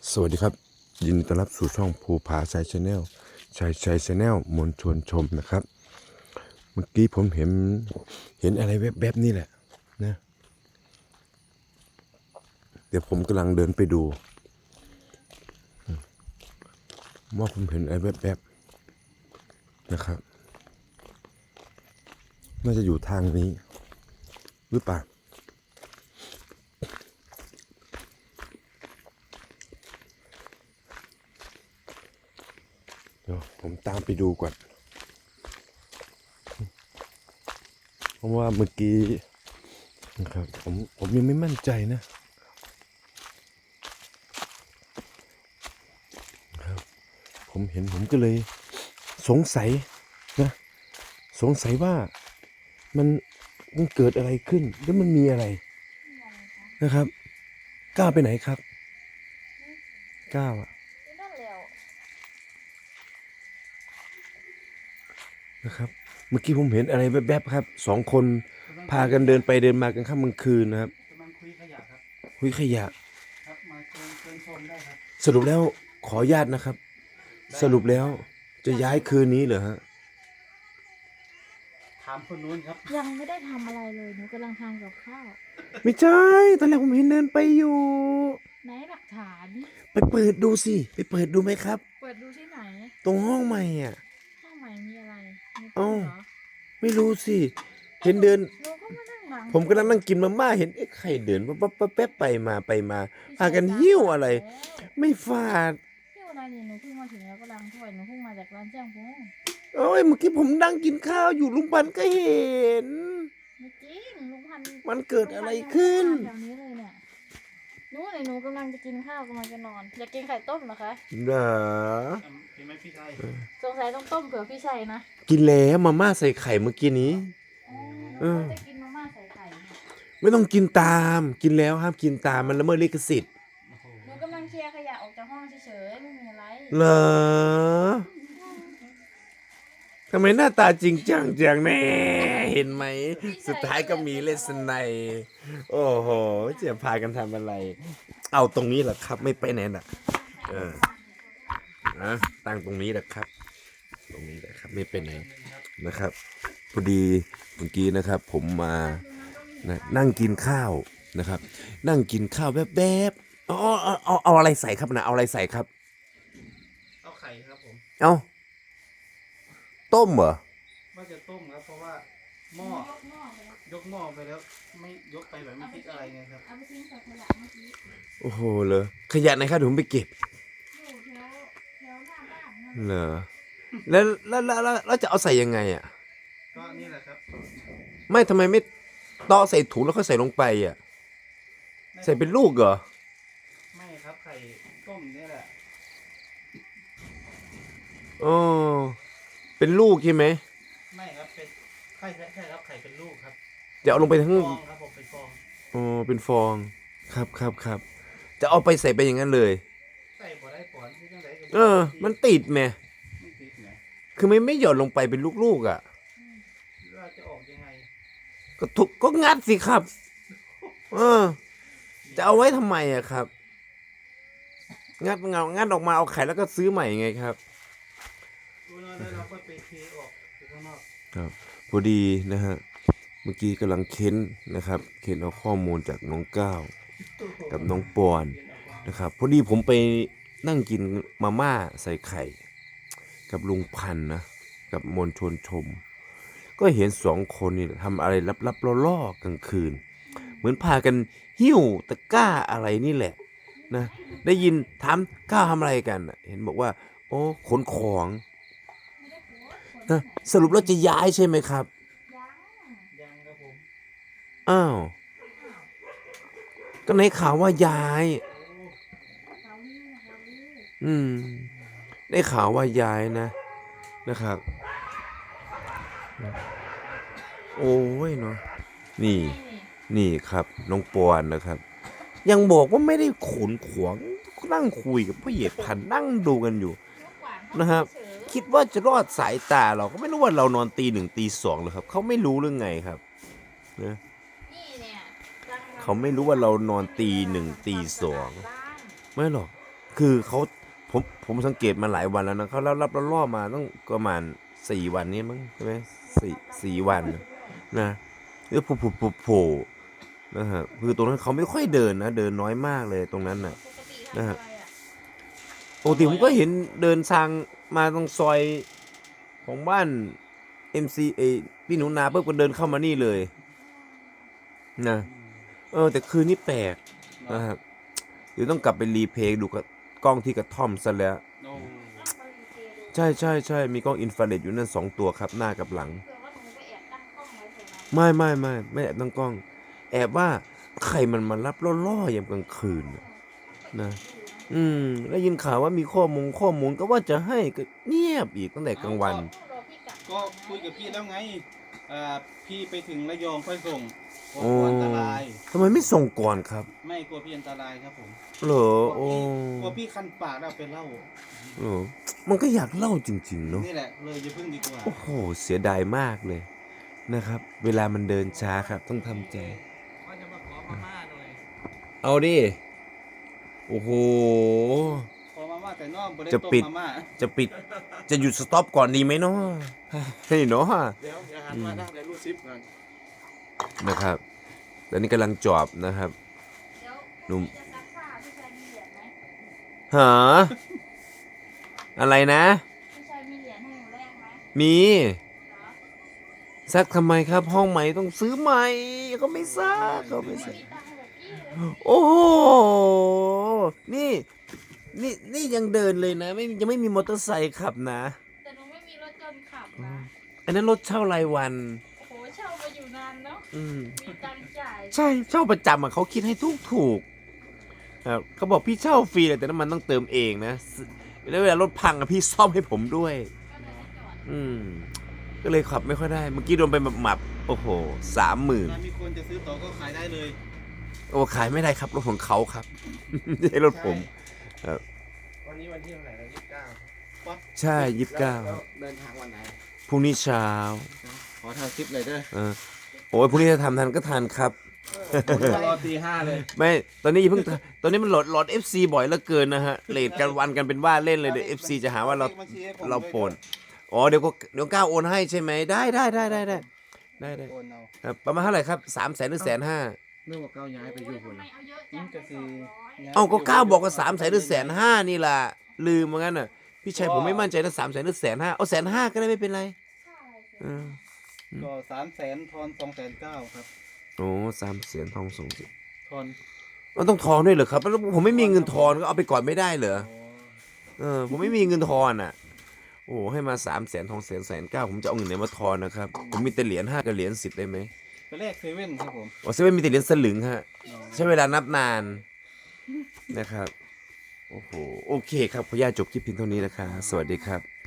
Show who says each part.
Speaker 1: สวัสดีครับยินดีต้อนรับสู่ช่องภูผาชัยชาแนลชัยชาแนลมวลชวนชมนะครับเมื่อกี้ผมเห็นอะไรแวบๆนี่แหละนะเดี๋ยวผมกำลังเดินไปดูว่าผมเห็นอะไรแวบๆนะครับน่าจะอยู่ทางนี้หรือเปล่าเดี๋ยวผมตามไปดูก่อนเพราะว่าเมื่อกี้นะครับผมยังไม่มั่นใจนะครับผมเห็นผมก็เลยสงสัยนะสงสัยว่ามันเกิดอะไรขึ้นแล้วมันมีอะไรนะครับก้าวไปไหนครับก้าวนะครับเมื่อกี้ผมเห็นอะไรแวบๆครับสองคนพากันเดินไปเดินมากันค่ำกลางคืนนะครับ
Speaker 2: กำลังคุยขยะครับ
Speaker 1: คุยขยะ
Speaker 2: ครับมาเชิญชมได้ครับ
Speaker 1: สรุปแล้วขออนุญาตนะครับสรุปแล้วจะย้ายคืนนี้เหรอฮะ
Speaker 2: ถามคนนู้นครับ
Speaker 3: ยังไม่ได้ทำอะไรเลยหนูกำลังทานกับข้าว
Speaker 1: ไม่ใช่ตอนแรกผมเห็นเดินไปอยู่
Speaker 3: ไหนหลักฐาน
Speaker 1: ไปเปิดดูสิไปเปิดดูไหมครับ
Speaker 3: เปิดดูที่ไหน
Speaker 1: ตรงห้องใหม่อ่ะ
Speaker 3: ห้องใหม่มีอะไรมี
Speaker 1: เอ้า
Speaker 3: ตู้เหรอ
Speaker 1: ไม่รู้สิเห็นเดิน
Speaker 3: หนูก็มานั่งหลัง
Speaker 1: ผมก็นั่งกินมาม่าเห็นใครเดินแป๊บไปมาพากันหิ้วอะไรไม่ฟาด
Speaker 3: หิ้วอะไรนี่หนูเพิ่งมาถึงแล้วก็ล้างถ้วยหนูเพิ่งมาจากร้านแจ้งพง
Speaker 1: โอ้ยเมื่อกี้ผมนั่งกินข้าวอยู่ลุงพันธุ์ก็เห็น
Speaker 3: ไม่จริงลุงพันธุ์
Speaker 1: มันเกิดอะไรขึ้น
Speaker 3: แถวนี้เลยเนี่ยหนูกำลังจะกินข้าวกำลังจะนอนอยากกินไข่ต้มเหรอคะ
Speaker 1: เด้อ
Speaker 2: เห็นไหมพี่ชัย
Speaker 3: สงสัยต้องต้มเผื่อพี่ชัยนะ
Speaker 1: กินแล้วมาม่าใส่ไข่เมื่อกี้นี้
Speaker 3: หนูจะกินมาม่าใส่ไข่เนี่ย
Speaker 1: ไม่ต้องกินตามกินแล้วห้ามกินตามมันละเมิดลิขสิทธิ์
Speaker 3: หนูกำลังเคลียร์ขยะออกจากห้องเฉยๆไม่มีอะไร
Speaker 1: เหรอทำไมหน้าตาจริงจังจังแน่เห็นไหมสุดท้ายก็มีเลสไนโอ้โหจะพากันทำอะไรเอาตรงนี้แหละครับไม่ไปไหนน่ะนะตั้งตรงนี้แหละครับตรงนี้แหละครับไม่ไปไหนนะครับพอดีเมื่อกี้นะครับผมมานั่งกินข้าวนะครับนั่งกินข้าวแวบๆเอาอะไรใส่ครับนะเอาอะไรใส่ครับ
Speaker 2: เอาไข่ครับผม
Speaker 1: เอาต้มเหรอ
Speaker 2: ว่าจะต้มครับเพราะว่าหม้อยกหม้อไปแล้วไม่ยกไปแบบไม่คิดอะไรไงครับ
Speaker 3: เอาไปทิ้งใส่ขยะเมื่อกี้
Speaker 1: โอ้โหเลยขยะไหนครับเดี๋ยวผมไปเก็บ
Speaker 3: อยู่แถวหน้าบ้านนะ
Speaker 1: เหรอแล้วจะเอาใส่ยังไงอ่ะ
Speaker 2: ก็นี่แหละครับ
Speaker 1: ไม่ทำไมไม่ตอกใส่ถุงแล้วก็ใส่ลงไปอ่ะใส่เป็นลูกเหรอ
Speaker 2: ไม่ครับไข่ต้มนี่แหละ
Speaker 1: อ๋อเป็นลูกใช่ไหม
Speaker 2: ไม่ครับเป็นไข่ใช่ครับไข่เป็นลูกครับ
Speaker 1: จะเอาลงไปทั้ง
Speaker 2: ฟองครับผมเป็นฟอง
Speaker 1: อ๋อเป็นฟองครับจะเอาไปใส่ไปอย่างนั้นเลย
Speaker 2: ใส่พอได้ผลที่จังได
Speaker 1: มันติดไหม
Speaker 2: ไม่ติดไง
Speaker 1: คือไม่หย่อนลงไปเป็นลูกๆอ่ะ
Speaker 2: เราจะออกยังไง
Speaker 1: ก็งัดสิครับจะเอาไว้ทำไมอ่ะครับงัดออกมาเอาไข่แล้วก็ซื้อใหม่ไงครับ
Speaker 2: เราก็ไปเทออกไปข้างนอก
Speaker 1: ครับพอดีนะฮะเมื่อกี้กำลังเค้นนะครับเค้นเอาข้อมูลจากน้องก้าวกับน้องปอนนะครับพอดีผมไปนั่งกินมาม่าใส่ไข่กับลุงพันธ์นะกับมวลชนชมก็เห็นสองคนนี่ทำอะไรลับๆล่อๆกลางคืนเหมือนพากันหิ้วตะกร้าอะไรนี่แหละนะได้ยินถามก้าวทำอะไรกันเห็นบอกว่าโอ้ขนของนะสรุปแล้วจะย้ายใช่ไหมครับ
Speaker 2: ยังครับผม
Speaker 1: อ้าวก็ในข่าวว่าย้ายได้ข่าวว่าย้ายนะครับโอ้ยเนาะนี่ครับน้องปอนนะครับยังบอกว่าไม่ได้ขนขวางนั่งคุยกับพ่อเหยียดพันนั่งดูกันอยู่นะครับคิดว่าจะรอดสายตาเราก็ไม่รู้ว่าเรานอนตี 1ตี 2เลยครับเขาไม่รู้เรื่องไงครับนะเขาไม่รู้ว่าเรานอนตี 1ตี 2ไม่หรอกคือเขาผมสังเกตมาหลายวันแล้วนะเขารับล่อมาต้องประมาณ4 วันนี้มั้งใช่ไหมสี่วันนะแล้วโผล่นะฮะคือตรงนั้นเขาไม่ค่อยเดินนะเดินน้อยมากเลยตรงนั้นน่ะ
Speaker 3: ปกติ
Speaker 1: นะ
Speaker 3: ทำ
Speaker 1: ฮะ
Speaker 3: อะไรอ่ะ
Speaker 1: ปกติผมก็เห็นเดินทางมาตรงซอยของบ้าน MCA พี่หนูนาเพิ่งก็เดินเข้ามานี่เลยนะแต่คืนนี้แปลกนะครับเดี๋ยวต้องกลับไปรีเพลย์ดูกับกล้องที่กระท่อมซะแล้ว
Speaker 2: โอ้
Speaker 3: ต้องไปรีเพลย์ดู
Speaker 1: ใช่มีกล้องอินฟราเรดอยู่นั่น2 ตัวครับหน้ากับหลัง
Speaker 3: เผื่อว่าหนูไปแอบตั้งกล้องไว้แถวนั้น
Speaker 1: ไม่แอบตั้งกล้อง แอบว่าใครมันมารับล่อๆยามกลางคืนน่ะนะได้ยินข่าวว่ามีข้อมูลก็ว่าจะให้ก็เงียบอีกตั้งแต่กลางวัน
Speaker 3: รอพี่กลับ
Speaker 2: ก็คุยกับพี่แล้วไงพี่ไปถึงระยองค่อยส่งกลั
Speaker 1: โอ้
Speaker 2: วอันตราย
Speaker 1: ทำไมไม่ส่งก่อนครับ
Speaker 2: ไม่กลัวพี่อันตรายครับผม
Speaker 1: เหรอก
Speaker 2: ลัว
Speaker 1: โอ้
Speaker 2: พี่กลัวพี่คันปากแล้วเป็นเหล้า
Speaker 1: เหรอมันก็อยากเล่าจริงๆเนาะ
Speaker 2: นี่แหละเลยอย่าพึ่งดีกว่า
Speaker 1: โอ้โหเสียดายมากเลยนะครับ เวลามันเดินช้าครับ ต้องทำใจ
Speaker 2: ว่าจะมาขอมาม่าหน่อย
Speaker 1: เอาดิโอ้โห
Speaker 2: ขอมาม่าแต่นอกบริ
Speaker 1: จะ
Speaker 2: ต้ม
Speaker 1: ปิด
Speaker 2: มาม่า
Speaker 1: จะหยุดสต็อปก่อนดีไหมเนาะให้เนาะ
Speaker 2: เดี๋ยวหันมาได้แล้วรูดซิปก่อน
Speaker 1: นะครับตอนนี้กำลังจอบนะครับ
Speaker 3: เดี๋ยว
Speaker 1: หนุ่ม
Speaker 3: พี่จะซักผ้าพี่ชายมีเหรียญไหม
Speaker 1: หาอะไรนะ
Speaker 3: พี่ชายมีเหรียญให้หนูแลกไหม
Speaker 1: มี
Speaker 3: เหรอ
Speaker 1: ซักทำไมครับ ห้องใหม่ต้องซื้อใหม่เขาไม่ซักเขาไม่ซัก
Speaker 3: มีตังค์แบบพี่เลย
Speaker 1: โอ้โหนี่ยังเดินเลยนะยังไม่มีมอเตอร์ไซค์ขับนะ
Speaker 3: แต่หนูไม่มีรถยนต์ขับนะ
Speaker 1: อันนั้นรถเช่ารายวัน
Speaker 3: โอ้โหเช่ามาอยู่นานเนาะ
Speaker 1: อืม
Speaker 3: มีตังค์จ่าย
Speaker 1: ใช่เช่าประจำอ่ะเขาคิดให้ถูกครับเขาบอกพี่เช่าฟรีเลยแต่น้ำมันต้องเติมเองนะแล้วเวลารถพังอ่ะพี่ซ่อมให้ผมด้วย
Speaker 3: ก็เลยไม่จอด
Speaker 1: ก็เลยขับไม่ค่อยได้ เมื่อกี้โดนไปหมับโอ้โห30,000
Speaker 2: ถ้ามีคนจะซื้อต่อก็ขายได้เลย
Speaker 1: โอ้ขายไม่ได้ครับรถของเขาครับ ไม่ใช่รถผม
Speaker 2: วันนี้วันที่เท่าไหร่แล้ว29
Speaker 1: ใช่29
Speaker 2: เดินทางวันไหน
Speaker 1: พรุ่งนี้เช้า
Speaker 2: ขอทางคลิปเลยเด้อ
Speaker 1: เออโอ้ยพรุ่งนี้ถ้าทำทันก็ทันครับ
Speaker 2: รอตี5เลย
Speaker 1: ไม่ตอนนี้อย่าเพิ่งตอนนี้มันโหลด FC บ่อยเหลือเกินนะฮะเลทกันวันกันเป็นว่าเล่นเลยเดี๋ยว FC จะหาว่าเราโปนอ๋อเดี๋ยวก้าวโอนให้ใช่ไหมได้
Speaker 2: โอนเอา
Speaker 1: ครับประมาณเท่าไหร่ครับ300,000 หรือ 150,000
Speaker 2: เรื่องว่าก้าวย้ายไปอยู่
Speaker 3: ทำ
Speaker 2: หุ่น
Speaker 3: ไมเอาเยอะจัง
Speaker 2: จะสิ
Speaker 1: เอ้าก็ก้าวบอกว่า300,000 หรือ 150,000นี่ล่ะลืมเหมือนกันน่ะพี่ชัยผมไม่มั่นใจนะ300,000 หรือ 150,000เอา150,000ก็ได้ไม่เป็นไร
Speaker 3: ค่าอะไรเสร็จ
Speaker 1: เออ
Speaker 2: ก็300,000ทอน290,000ครับ
Speaker 1: โอ้300,000ทองส่งสิ
Speaker 2: ทอน
Speaker 1: มันต้องทอนด้วยเหรอครับแล้วผมไม่มีเงินทอนก็เอาไปก่อนไม่ได้เหรอ ผมไม่มีเงินทอนอ่ะ โอ้ให้มา300,000ทอง109,000ผมจะเอาเงินไหนมาทอนนะครับ ผมมีแต่เหรียญ5กับเหรียญ10ได้ไหม
Speaker 2: ไปแรกเซเว่นครับผม
Speaker 1: โอ้เซเว่นมีแต่เหรียญสลึงฮะใช้เวลานับนานนะครับ โอ้โหโอเคครับขออนุญาตจบคลิปเพียงเท่านี้นะครับสวัสดีครับ